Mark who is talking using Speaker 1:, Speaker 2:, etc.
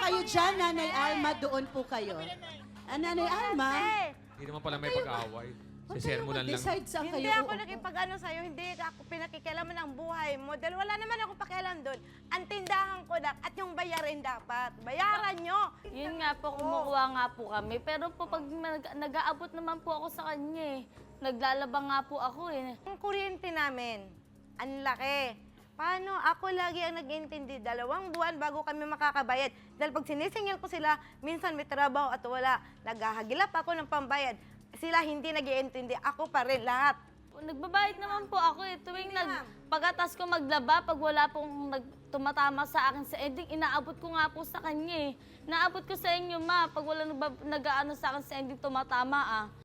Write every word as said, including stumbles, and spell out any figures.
Speaker 1: kayo dyan, Nanay Alma, doon po kayo. Ah, Nanay Alma,
Speaker 2: Hindi naman pala may pag-aaway.
Speaker 1: huwag
Speaker 2: Si
Speaker 1: kayo
Speaker 2: Sermonan lang.
Speaker 1: mag-decide saan
Speaker 3: Hindi
Speaker 1: kayo
Speaker 3: ako
Speaker 1: uupo.
Speaker 3: nakipag-ano sa'yo, hindi ako pinakikialaman ng buhay mo. Dahil wala naman ako pakialam doon. Ang tindahan ko na at yung bayarin dapat. Bayaran nyo.
Speaker 4: Yun nga po, kumukuha nga po kami. Pero po pag nag- nag-aabot naman po ako sa kanya eh. Naglalaba nga po ako eh.
Speaker 3: Ang kuryente namin, ang laki. Paano? Ako lagi ang nag-intindi. Dalawang buwan bago kami makakabayad. Dahil pag sinisingil ko sila, minsan may trabaho at wala. Naghahagilap ako ng pambayad. Sila hindi nag-iintindi. Ako pa rin, lahat.
Speaker 4: Nagbabayad naman po ako eh. Tuwing
Speaker 3: Hindi,
Speaker 4: nag,
Speaker 3: ma'am.
Speaker 4: pagkatas ko maglaba, pag wala pong nag, tumatama sa akin sa ending, inaabot ko nga po sa kanya eh. Naabot ko sa inyo ma, pag wala nag, nag-ano sa akin sa ending tumatama ah.